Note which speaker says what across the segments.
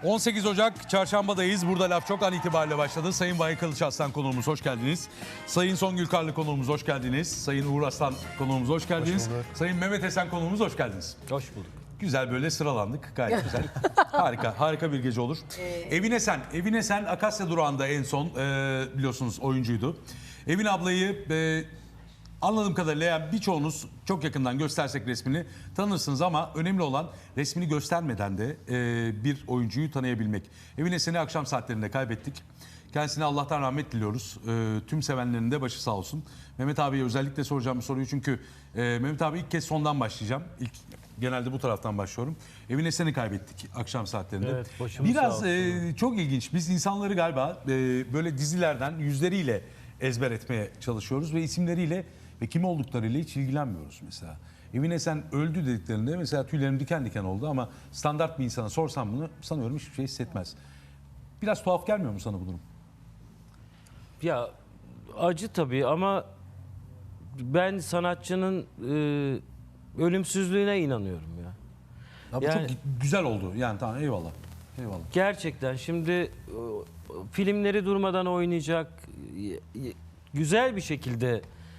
Speaker 1: 18 Ocak çarşambadayız. Burada laf çok an itibariyle başladı. Sayın Vahit Kılıçarslan konuğumuz hoş geldiniz. Sayın Songül Karlı konuğumuz hoş geldiniz. Sayın Uğur Aslan konuğumuz hoş geldiniz. Sayın Mehmet Esen konuğumuz hoş geldiniz.
Speaker 2: Hoş bulduk.
Speaker 1: Güzel böyle sıralandık. Gayet güzel. Harika bir gece olur. Evin Esen Akasya Durağı'nda en son biliyorsunuz oyuncuydu. Evin ablayı anladığım kadarıyla yani birçoğunuz çok yakından göstersek resmini tanırsınız ama önemli olan resmini göstermeden de bir oyuncuyu tanıyabilmek. Evin Esen'i akşam saatlerinde kaybettik. Kendisine Allah'tan rahmet diliyoruz. Tüm sevenlerin de başı sağ olsun. Mehmet abiye özellikle soracağım bir soruyu çünkü Mehmet abi ilk kez sondan başlayacağım. Genelde bu taraftan başlıyorum. Evin Esen'i kaybettik akşam saatlerinde.
Speaker 2: Evet, başımız
Speaker 1: biraz
Speaker 2: sağ olsun.
Speaker 1: çok ilginç. Biz insanları galiba böyle dizilerden yüzleriyle ezber etmeye çalışıyoruz ve isimleriyle ve kim olduklarıyla hiç ilgilenmiyoruz mesela. Evin Esen öldü dediklerinde mesela tüylerim diken diken oldu ama standart bir insana sorsam bunu sanıyorum hiçbir şey hissetmez. Biraz tuhaf gelmiyor mu sana bu durum?
Speaker 2: Ya acı tabii ama ben sanatçının ölümsüzlüğüne inanıyorum ya.
Speaker 1: Ya bu
Speaker 2: Yani-
Speaker 1: çok güzel oldu. Yani tamam eyvallah. Eyvallah.
Speaker 2: Gerçekten şimdi filmleri durmadan oynayacak, güzel bir şekilde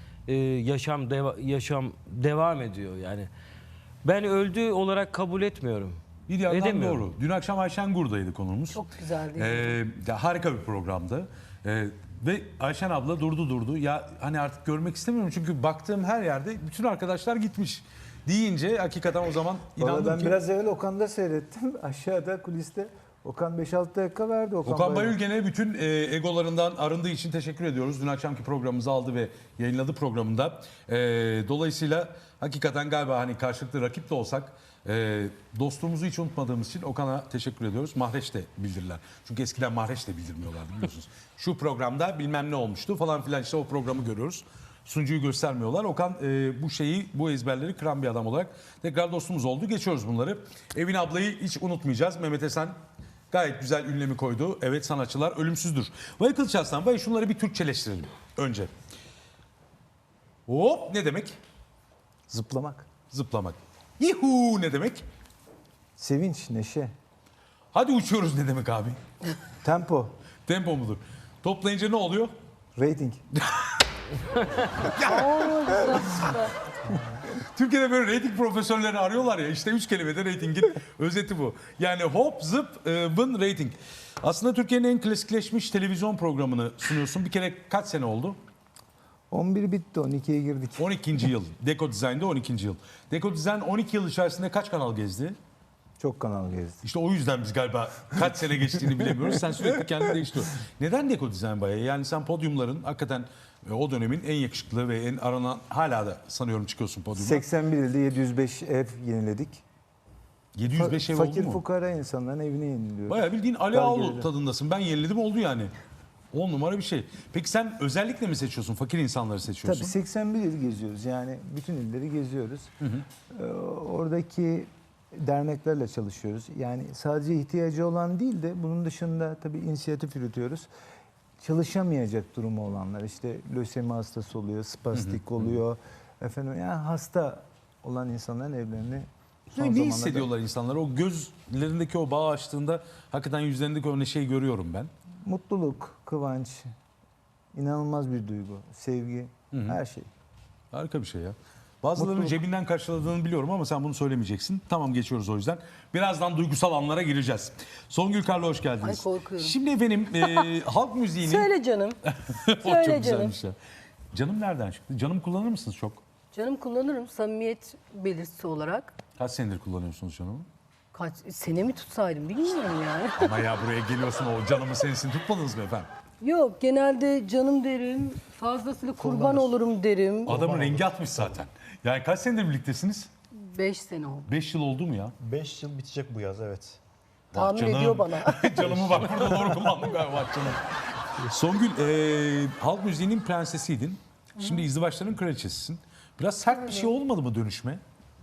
Speaker 2: yaşam devam ediyor yani. Ben öldü olarak kabul etmiyorum.
Speaker 1: Bir yandan
Speaker 2: Edemiyorum.
Speaker 1: doğru. Dün akşam Ayşen Gur'daydı konuğumuz.
Speaker 3: Çok güzeldi.
Speaker 1: Ya harika bir programdı. Ve Ayşen abla durdu. Ya hani artık görmek istemiyorum çünkü baktığım her yerde bütün arkadaşlar gitmiş. Deyince hakikaten o zaman
Speaker 4: Valla
Speaker 1: inandım
Speaker 4: ben
Speaker 1: ki.
Speaker 4: biraz evvel Okan'da seyrettim. Aşağıda kuliste Okan 5-6 dakika verdi.
Speaker 1: Okan Bayülgen'e bütün egolarından arındığı için teşekkür ediyoruz. Dün akşamki programımızı aldı ve yayınladı programında. Dolayısıyla hakikaten galiba hani karşılıklı rakip de olsak dostluğumuzu hiç unutmadığımız için Okan'a teşekkür ediyoruz. Mahreç de bildirirler. Çünkü eskiden Mahreç de bildirmiyorlardı biliyorsunuz. Şu programda bilmem ne olmuştu falan filan işte o programı görüyoruz. Sunucuyu göstermiyorlar. Okan bu ezberleri kıran bir adam olarak tekrar dostumuz oldu. Geçiyoruz bunları. Evin ablayı hiç unutmayacağız. Mehmet Esen gayet güzel ünlemi koydu. Evet sanatçılar ölümsüzdür. Vahit Kılıçarslan, Vahit şunları bir Türkçeleştirelim önce. Hop ne demek?
Speaker 4: Zıplamak.
Speaker 1: Zıplamak. Yuhu ne demek?
Speaker 4: Sevinç, neşe,
Speaker 1: Hadi uçuyoruz ne demek abi?
Speaker 4: tempo,
Speaker 1: Tempo mudur? Toplayınca ne oluyor?
Speaker 4: rating.
Speaker 1: Türkiye'de böyle reyting profesörlerini arıyorlar ya işte 3 kelimede reytingin özeti bu. Yani hop zıp vın reyting. Aslında Türkiye'nin en klasikleşmiş televizyon programını sunuyorsun. Bir kere kaç sene oldu?
Speaker 4: 11 bitti, 12'ye girdik.
Speaker 1: 12. yıl. Deko Design'de 12. yıl. Deko Design 12 yıl içerisinde kaç kanal gezdi?
Speaker 4: Çok kanal gezdi.
Speaker 1: İşte o yüzden biz galiba kaç sene geçtiğini bilemiyoruz. Sen sürekli kendini değiştiriyorsun. Neden Deko Design bayağı? Yani sen podyumların hakikaten o dönemin en yakışıklı ve en aranan hala da sanıyorum çıkıyorsun podyuma.
Speaker 4: 81 ilde 705 ev yeniledik.
Speaker 1: 705 ev oldu
Speaker 4: Fakir
Speaker 1: mu?
Speaker 4: fukara insanların evini yeniliyoruz.
Speaker 1: Bayağı bildiğin Ali
Speaker 4: Dar
Speaker 1: Ağaoğlu
Speaker 4: geliri.
Speaker 1: tadındasın. Ben yeniledim oldu yani. 10 numara bir şey. Peki sen özellikle mi seçiyorsun? Fakir insanları seçiyorsun.
Speaker 4: Tabii 81 il geziyoruz. Yani bütün illeri geziyoruz. Oradaki derneklerle çalışıyoruz. Yani sadece ihtiyacı olan değil de bunun dışında tabii inisiyatif yürütüyoruz. Çalışamayacak durumu olanlar işte lösemi hastası oluyor, spastik oluyor. Efendim yani hasta olan insanların evlerini son
Speaker 1: Ne
Speaker 4: zamanlarda-
Speaker 1: hissediyorlar insanlar? O gözlerindeki o bağ açtığında hakikaten yüzlerindeki o neşeyi görüyorum ben.
Speaker 4: Mutluluk, kıvanç, inanılmaz bir duygu, sevgi, her şey.
Speaker 1: Harika bir şey ya. Bazılarının
Speaker 4: Mutluluk.
Speaker 1: cebinden karşıladığını biliyorum ama sen bunu söylemeyeceksin. Tamam geçiyoruz o yüzden. Birazdan duygusal anlara gireceğiz. Songül Karlı hoş geldiniz.
Speaker 3: Ay, korkuyorum.
Speaker 1: Şimdi efendim halk müziğinin...
Speaker 3: Söyle canım.
Speaker 1: O
Speaker 3: söyle
Speaker 1: çok
Speaker 3: canım.
Speaker 1: güzelmiş ya. Canım nereden çıktı? Canım kullanır mısınız çok?
Speaker 3: Canım kullanırım samimiyet belirtisi olarak.
Speaker 1: Kaç senedir kullanıyorsunuz canımı?
Speaker 3: Kaç sene mi tutsaydım bilmiyorum yani.
Speaker 1: Ama ya buraya geliyorsun o canımı sensin tutmadınız mı efendim?
Speaker 3: Yok genelde canım derim. Fazlasıyla kurban olurum derim.
Speaker 1: Adamın rengi atmış zaten. Yani kaç senedir birliktesiniz?
Speaker 3: 5 sene oldu.
Speaker 1: 5 yıl oldu mu ya?
Speaker 5: 5 yıl bitecek bu yaz, evet.
Speaker 3: Tahmin
Speaker 1: canım.
Speaker 3: ediyor bana.
Speaker 1: Canımı bak burada doğru kullandım galiba canım. Songül halk müziğinin prensesiydin. Şimdi izdivaçların kraliçesisin. Biraz sert bir şey olmadı mı dönüşme?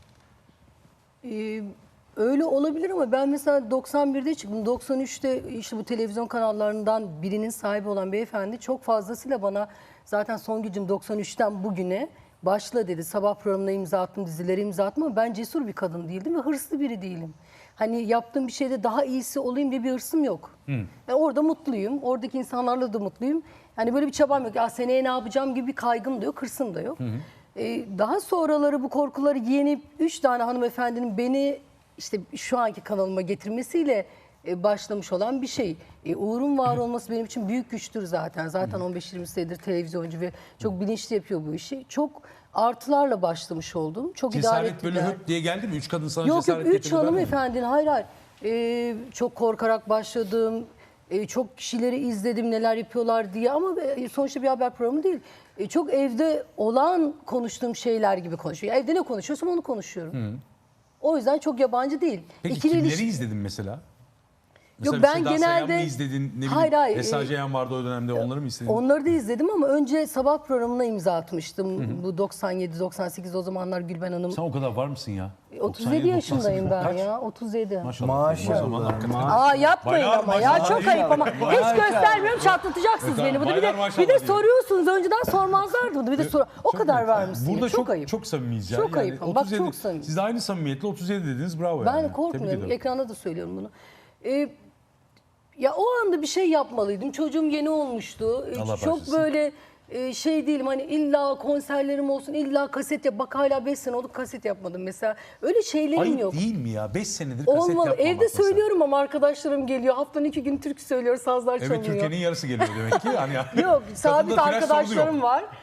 Speaker 3: Öyle olabilir ama ben mesela 91'de çıktım. 93'te işte bu televizyon kanallarından birinin sahibi olan beyefendi çok fazlasıyla bana zaten Songül'cüm 93'ten bugüne başla dedi. Sabah programına imza attım, dizilere imza attım ama ben cesur bir kadın değildim ve hırslı biri değilim. hani yaptığım bir şeyde daha iyisi olayım diye bir hırsım yok. Yani orada mutluyum. Oradaki insanlarla da mutluyum. Yani böyle bir çabam yok. Ya seneye ne yapacağım gibi bir kaygım da yok, hırsım da yok. Daha sonraları bu korkuları yenip 3 tane hanımefendinin beni işte şu anki kanalıma getirmesiyle başlamış olan bir şey. Uğur'un var olması benim için büyük güçtür zaten. Zaten 15-20 senedir televizyoncu ve çok bilinçli yapıyor bu işi. Çok artılarla başlamış oldum. Çok idare
Speaker 1: Cesaret böyle
Speaker 3: ettiler.
Speaker 1: höp diye geldi mi? 3 kadın sana
Speaker 3: Yok yok
Speaker 1: cesaret
Speaker 3: 3
Speaker 1: getirdi.
Speaker 3: hanımefendinin hayır hayır. Çok korkarak başladım. Çok kişileri izledim neler yapıyorlar diye ama sonuçta bir haber programı değil. Çok evde olan konuştuğum şeyler gibi konuşuyor. Evde ne konuşuyorsam onu konuşuyorum. O yüzden çok yabancı değil.
Speaker 1: Peki
Speaker 3: İkili
Speaker 1: kimleri
Speaker 3: ilişki-
Speaker 1: izledin mesela?
Speaker 3: Yok,
Speaker 1: Mesela
Speaker 3: ben
Speaker 1: Seda Sayan
Speaker 3: genelde-
Speaker 1: mı izledin? Ne bileyim,
Speaker 3: Hayır, hayır,
Speaker 1: Esra Ceyhan vardı o dönemde, onları mı izledin?
Speaker 3: Onları da izledim ama önce sabah programına imza atmıştım. Bu 97-98 o zamanlar Gülben Hanım.
Speaker 1: Sen o kadar var mısın ya?
Speaker 3: 37 yaşındayım ben
Speaker 1: Kaç?
Speaker 3: ya. 37.
Speaker 1: Maşallah. O zaman hakikaten.
Speaker 3: Aa yapmayın
Speaker 1: Baylar
Speaker 3: ama ya
Speaker 1: maşallah
Speaker 3: çok
Speaker 1: değil
Speaker 3: ayıp ama
Speaker 1: Baylar
Speaker 3: hiç göstermiyorum çatlatacaksınız
Speaker 1: Tamam,
Speaker 3: beni. Bunu bir
Speaker 1: baylar
Speaker 3: de
Speaker 1: maşallah
Speaker 3: bir de
Speaker 1: değil.
Speaker 3: soruyorsunuz önceden sormazlardı bunu. Bir de o kadar var mısın?
Speaker 1: Burada
Speaker 3: çok ayıp.
Speaker 1: çok samimiyiz ya.
Speaker 3: Çok ayıp ama bak çok samimi.
Speaker 1: Siz de aynı samimiyetle 37 dediniz, bravo
Speaker 3: Ben
Speaker 1: yani. Tebrik
Speaker 3: korkmuyorum.
Speaker 1: ediyorum.
Speaker 3: Ekranda da söylüyorum bunu. Ya o anda bir şey yapmalıydım. Çocuğum yeni olmuştu.
Speaker 1: Allah
Speaker 3: Çok
Speaker 1: bağışlasın.
Speaker 3: böyle şey değilim hani illa konserlerim olsun illa kaset yap. Bak hala 5 sene oldu kaset yapmadım mesela. Öyle şeylerim
Speaker 1: Ayıp
Speaker 3: yok.
Speaker 1: değil mi ya? 5 senedir kaset
Speaker 3: Olmalı.
Speaker 1: yapmamak
Speaker 3: Evde
Speaker 1: mesela.
Speaker 3: söylüyorum ama arkadaşlarım geliyor. Haftanın 2 gün türkü söylüyor, sazlar
Speaker 1: Evet,
Speaker 3: çalıyor.
Speaker 1: Türkiye'nin yarısı geliyor demek ki. Yani
Speaker 3: Yok, sabit
Speaker 1: Kadında flash sorunu
Speaker 3: arkadaşlarım
Speaker 1: yok.
Speaker 3: var.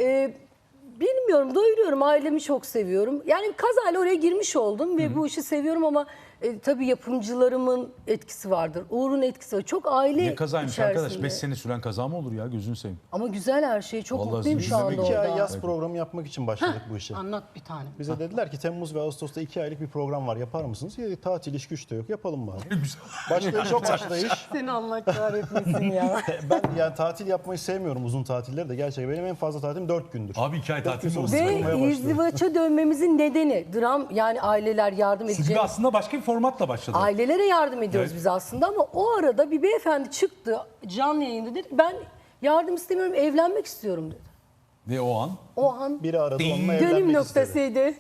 Speaker 3: Bilmiyorum, doyuruyorum. Ailemi çok seviyorum. Yani kazayla oraya girmiş oldum ve bu işi seviyorum ama tabii yapımcılarımın etkisi vardır. Uğur'un etkisi var. Çok aile
Speaker 1: Ne kazaymış arkadaş?
Speaker 3: içerisinde.
Speaker 1: 5 sene süren kaza mı olur ya? Gözünü seveyim.
Speaker 3: Ama güzel her şey. Çok
Speaker 1: Vallahi
Speaker 3: mutluyum
Speaker 1: biz
Speaker 3: şu
Speaker 1: de
Speaker 3: anda
Speaker 5: 2 ay
Speaker 3: orada.
Speaker 5: yaz programı yapmak için başladık bu işe.
Speaker 3: Anlat bir tane.
Speaker 5: Bize dediler ki Temmuz ve Ağustos'ta 2 aylık bir program var, yapar mısınız? Ya tatil, iş güç de yok, yapalım bari. Başlayış çok başlayış.
Speaker 3: Seni Allah kahretmesin ya.
Speaker 5: Ben yani tatil yapmayı sevmiyorum, uzun tatilleri de. Gerçekten benim en fazla tatilim 4 gündür.
Speaker 1: Abi 2 ay tatil mi olur?
Speaker 5: Sıkılmaya
Speaker 3: Ve
Speaker 5: başladı.
Speaker 3: izdivaça dönmemizin nedeni dram, yani aileler yardım
Speaker 1: Siz
Speaker 3: edecek.
Speaker 1: gibi aslında başka bir formatla başladı.
Speaker 3: Ailelere yardım ediyoruz
Speaker 1: Evet.
Speaker 3: biz aslında ama o arada bir beyefendi çıktı canlı yayında dedi ben yardım istemiyorum evlenmek istiyorum dedi.
Speaker 1: Ve o an.
Speaker 3: O an
Speaker 5: Biri aradı, onunla
Speaker 3: dönüm
Speaker 5: evlenmek istedi.
Speaker 3: noktasıydı.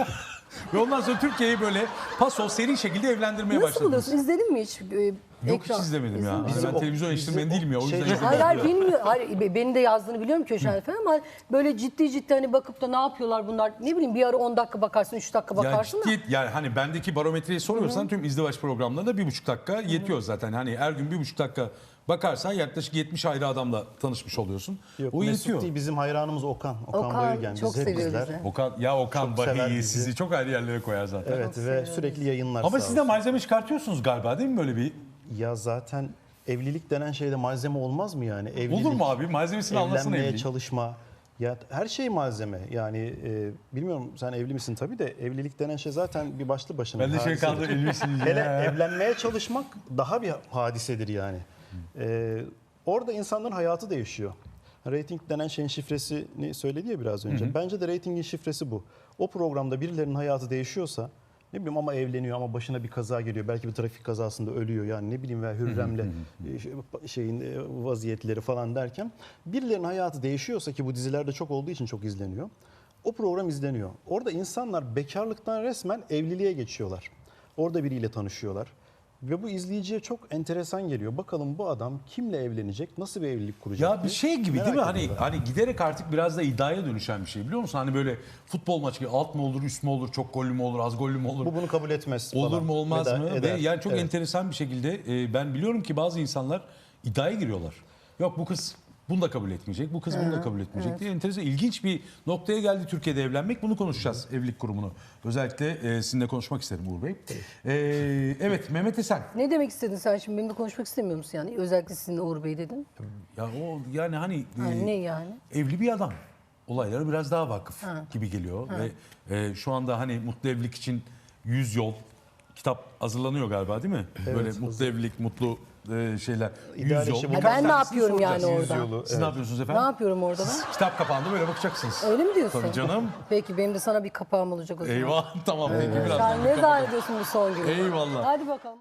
Speaker 1: Ve ondan sonra Türkiye'yi böyle paso seri şekilde evlendirmeye
Speaker 3: Nasıl
Speaker 1: başladınız.
Speaker 3: buluyorsun? İzledin mi hiç?
Speaker 1: Yok hiç izlemedim ya.
Speaker 3: İzledin mi?
Speaker 1: Ben televizyon eleştirmeni değilim ya. O yüzden
Speaker 5: Şey-
Speaker 1: izlemedim.
Speaker 3: Hayır hayır bilmiyorum. Hayır, benim de yazdığını biliyorum Köşen falan ama böyle ciddi hani bakıp da ne yapıyorlar bunlar ne bileyim bir ara 10 dakika bakarsın 3 dakika
Speaker 1: Yani
Speaker 3: bakarsın da.
Speaker 1: ciddi, yani hani bendeki barometreyi soruyorsan tüm izdivaç programlarında 1,5 dakika yetiyor zaten. Hani her gün 1,5 dakika bakarsan yaklaşık 70 ayrı adamla tanışmış oluyorsun.
Speaker 5: Yok,
Speaker 1: O
Speaker 5: Mesut
Speaker 1: yetiyor.
Speaker 5: değil, bizim hayranımız Okan. Okan Bayülgen.
Speaker 3: çok
Speaker 5: Biz hep
Speaker 3: seviyoruz
Speaker 5: izler.
Speaker 3: bizi.
Speaker 1: Okan
Speaker 5: Çok sever
Speaker 1: Bahi'yi
Speaker 5: bizi.
Speaker 1: sizi çok ayrı yerlere koyar zaten.
Speaker 5: Evet ve sürekli yayınlar.
Speaker 1: Ama
Speaker 5: sağ
Speaker 1: siz de
Speaker 5: olsun.
Speaker 1: malzeme çıkartıyorsunuz galiba değil mi böyle bir?
Speaker 5: Ya zaten evlilik denen şeyde malzeme olmaz mı yani? Evlilik,
Speaker 1: Olur mu abi? Malzemesini anlasana
Speaker 5: evlenmeye
Speaker 1: evliliğin.
Speaker 5: çalışma. Ya her şey malzeme. Yani bilmiyorum sen evli misin tabii de evlilik denen şey zaten bir başlı başına.
Speaker 1: Ben de
Speaker 5: bir
Speaker 1: şey
Speaker 5: hadisedir.
Speaker 1: kaldı evlisiniz
Speaker 5: Hele
Speaker 1: ya.
Speaker 5: evlenmeye çalışmak daha bir hadisedir yani. Orada insanların hayatı değişiyor. Rating denen şeyin şifresini söyledi ya biraz önce. Bence de ratingin şifresi bu. O programda birilerinin hayatı değişiyorsa ne bileyim ama evleniyor ama başına bir kaza geliyor. Belki bir trafik kazasında ölüyor yani ne bileyim veya Hürrem'le şeyin vaziyetleri falan derken birilerinin hayatı değişiyorsa ki bu dizilerde çok olduğu için çok izleniyor. O program izleniyor. Orada insanlar bekarlıktan resmen evliliğe geçiyorlar. Orada biriyle tanışıyorlar. Ve bu izleyiciye çok enteresan geliyor. Bakalım bu adam kimle evlenecek, nasıl bir evlilik kuracak?
Speaker 1: Ya bir
Speaker 5: diye
Speaker 1: şey gibi
Speaker 5: merak
Speaker 1: değil mi? Hani
Speaker 5: ediyorlar.
Speaker 1: hani giderek artık biraz da iddiaya dönüşen bir şey biliyor musun? Hani böyle futbol maçı gibi alt mı olur, üst mü olur, çok gollü mü olur, az gollü mü olur?
Speaker 5: Bu bunu kabul etmez
Speaker 1: Olur
Speaker 5: falan.
Speaker 1: mu olmaz
Speaker 5: Eder-
Speaker 1: mı?
Speaker 5: eder.
Speaker 1: Ve yani çok
Speaker 5: Evet.
Speaker 1: enteresan bir şekilde ben biliyorum ki bazı insanlar iddiaya giriyorlar. Yok bu kız bunu da kabul etmeyecek, bu kız bunu da kabul etmeyecek diye enteresan, ilginç bir noktaya geldi Türkiye'de evlenmek. Bunu konuşacağız evlilik kurumunu. Özellikle sizinle konuşmak isterim Uğur Bey. Evet Mehmet Esen.
Speaker 3: Ne demek istedin sen şimdi benimle konuşmak istemiyor musun yani? Özellikle sizinle Uğur Bey dedin.
Speaker 1: Ya o yani hani
Speaker 3: Ne yani?
Speaker 1: evli bir adam. Olaylara biraz daha vakıf gibi geliyor ve şu anda hani mutlu evlilik için 100 yol kitap hazırlanıyor galiba değil mi? Böyle mutlu evlilik, mutlu şeyler. 100
Speaker 5: İdeal
Speaker 1: yol.
Speaker 5: eşi
Speaker 1: Birkaç
Speaker 3: Ben ne
Speaker 1: tanesini
Speaker 3: yapıyorum yani
Speaker 1: soracağız.
Speaker 3: orada?
Speaker 5: 100 yolu,
Speaker 1: Siz ne yapıyorsunuz
Speaker 3: Ne
Speaker 1: efendim?
Speaker 3: yapıyorum orada ben?
Speaker 1: Kitap kapağında böyle bakacaksınız.
Speaker 3: Öyle mi diyorsun?
Speaker 1: Tabii canım.
Speaker 3: Peki benim de sana bir kapağım olacak o zaman.
Speaker 1: Eyvah tamam peki biraz.
Speaker 3: Sen ne zannediyorsun bu son günü?
Speaker 1: Eyvallah.
Speaker 3: Hadi bakalım.